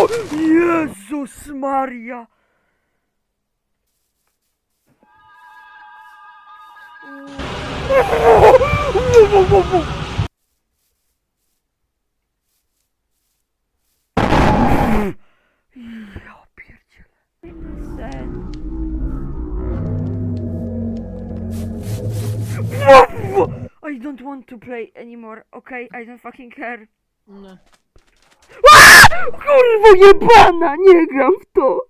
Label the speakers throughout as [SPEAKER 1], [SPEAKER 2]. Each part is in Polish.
[SPEAKER 1] Jezus Maria! Ja pierdzielę. Sen. I don't want to play anymore, okay? I don't fucking care.
[SPEAKER 2] No.
[SPEAKER 1] Kurwo jebana, nie gram w to!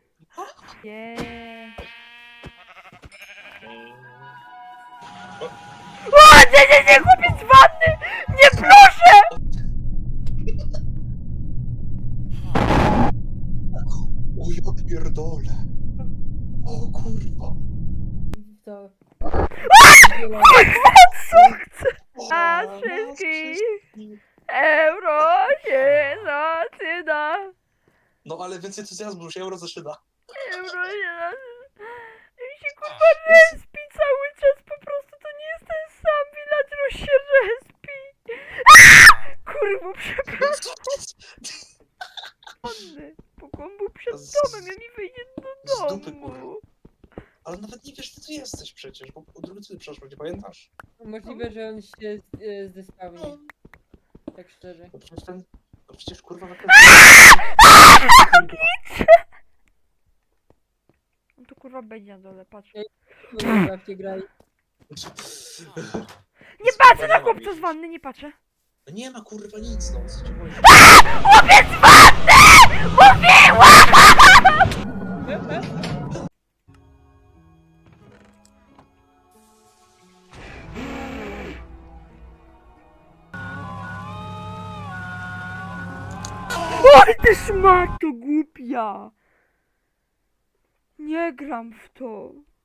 [SPEAKER 1] Nie. O, nie, chłopiec z wanny! Nie, proszę!
[SPEAKER 3] O ja pierdolę. O kurwa.
[SPEAKER 2] To...
[SPEAKER 1] Co chcę?
[SPEAKER 3] O,
[SPEAKER 1] A
[SPEAKER 3] nas
[SPEAKER 1] wszystkich
[SPEAKER 3] wszystkich.
[SPEAKER 1] euro się zaczyna.
[SPEAKER 3] No ale więcej entuzjazmu, się euro zaczyna.
[SPEAKER 1] Euro się zaczyna. I się kurwa respi cały czas, po prostu to nie jest ten sam villager, się respi. Kurwa, przepraszam. Pokłon był przed domem, ja mi wyjdzie do
[SPEAKER 3] Z dupy,
[SPEAKER 1] domu.
[SPEAKER 3] kurwa. Ale nawet nie wiesz, ty tu jesteś przecież, bo od drugiej strony przeszło, nie pamiętasz?
[SPEAKER 2] Możliwe, że on się zdespawni. Tak szczerze.
[SPEAKER 3] No przecież ten... No przecież kurwa na
[SPEAKER 1] On tu kurwa będzie na dole, patrz.
[SPEAKER 2] No nie bawcie graj.
[SPEAKER 1] Nie patrzę na chłopca z wanny, nie patrzę.
[SPEAKER 3] No nie ma kurwa nic, no co ci chodzi?
[SPEAKER 1] Chłopiec z wanny! Mówiłam! Oj, ty szmato głupia! Nie gram w to.